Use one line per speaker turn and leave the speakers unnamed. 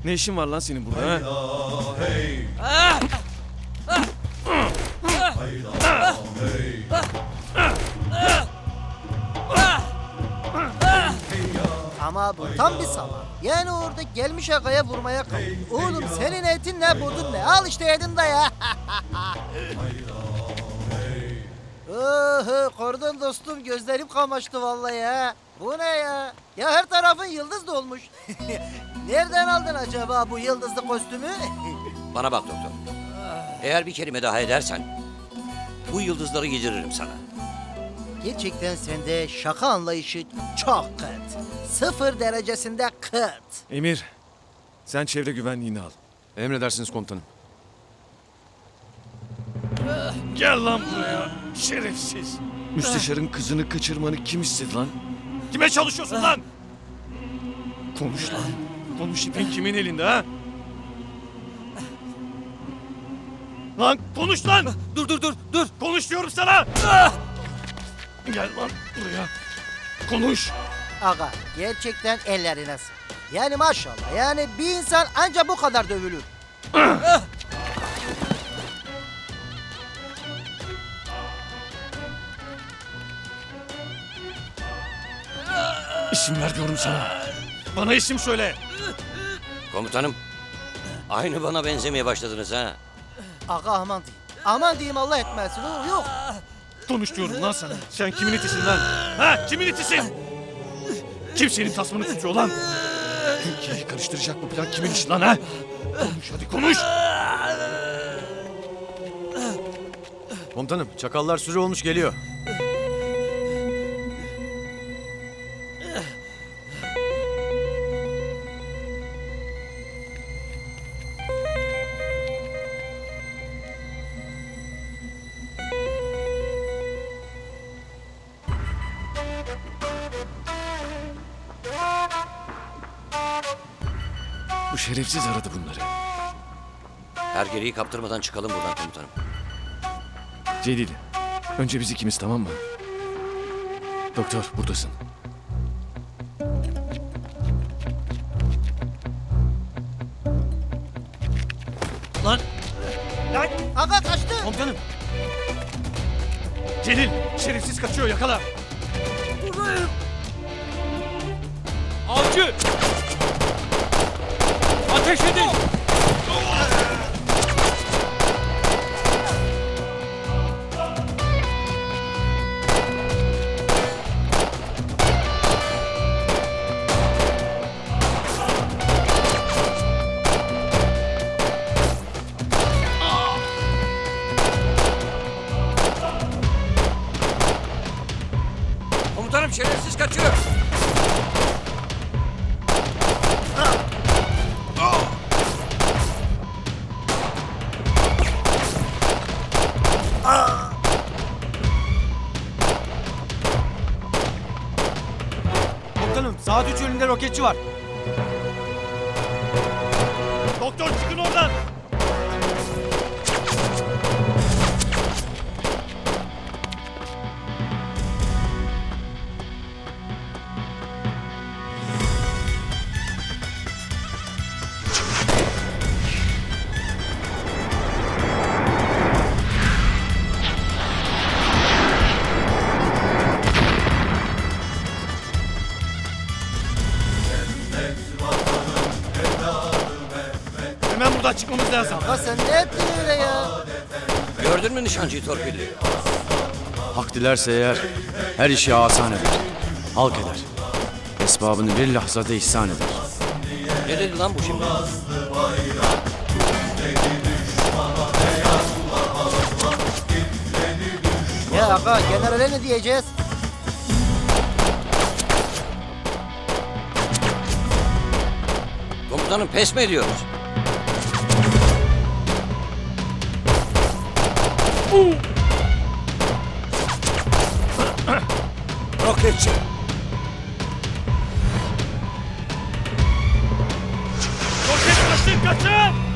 Ne işin var lan senin burada ha?
Ama bu tam bir salak. Yani orada gelmiş agaya vurmaya kalk. Oğlum senin etin ne budun ne? Al işte yedin de ya. Kordon dostum gözlerim kamaştı vallahi ya. Bu ne ya? Ya her tarafın yıldız dolmuş. Nereden aldın acaba bu yıldızlı kostümü?
Bana bak doktor. Eğer bir kelime daha edersen bu yıldızları yediririm sana.
Gerçekten sende şaka anlayışı çok kıt. 0 derecesinde kıt.
Emir, sen çevre güvenliğini al.
Emredersiniz komutanım.
Gel lan buraya, şerefsiz. Müsteşarın kızını kaçırmanı kim istedi lan? Kime çalışıyorsun lan? Konuş lan. Konuş, ipin kimin elinde ha? Lan konuş lan! Dur! Konuş diyorum sana! Gel lan buraya. Konuş!
Aga gerçekten ellerine sağlık. Yani maşallah yani bir insan anca bu kadar dövülür.
İsim ver diyorum sana. Bana isim söyle.
Komutanım, aynı bana benzemeye başladınız ha.
Aga aman diyeyim. Aman diyeyim Allah etmesin. Yok.
Konuş diyorum lan sana. Sen kimin itisin lan? Ha? Kimin itisin? Kim senin tasmanı tutuyor lan? Türkiye'yi karıştıracak bu plan kimin işi lan ha? Konuş hadi konuş.
Komutanım, çakallar sürü olmuş geliyor.
Bu şerefsiz aradı bunları.
Hergeleyi kaptırmadan çıkalım buradan komutanım.
Celil, önce biz ikimiz tamam mı? Doktor buradasın. Lan! Lan!
Aga kaçtı.
Komutanım! Celil, şerefsiz kaçıyor yakala.
Avcı! Ateş edin!
Komutanım şerefsiz kaçıyor.
Komutanım, saat 3 önünde roketçi var.
Doktor çıkın oradan! Hemen buradan çıkmamız lazım.
Aga sen ne ettin öyle ya?
Gördün mü nişancıyı torpilli?
Hak dilerse eğer her işi asan eder. Halk eder. Esbabını bir lahzada ihsan eder.
Ne dedi lan bu şimdi?
Ya aga generale ne diyeceğiz?
Komutanım pes mi ediyoruz? Roketçi!
Roket kaçın kaçın!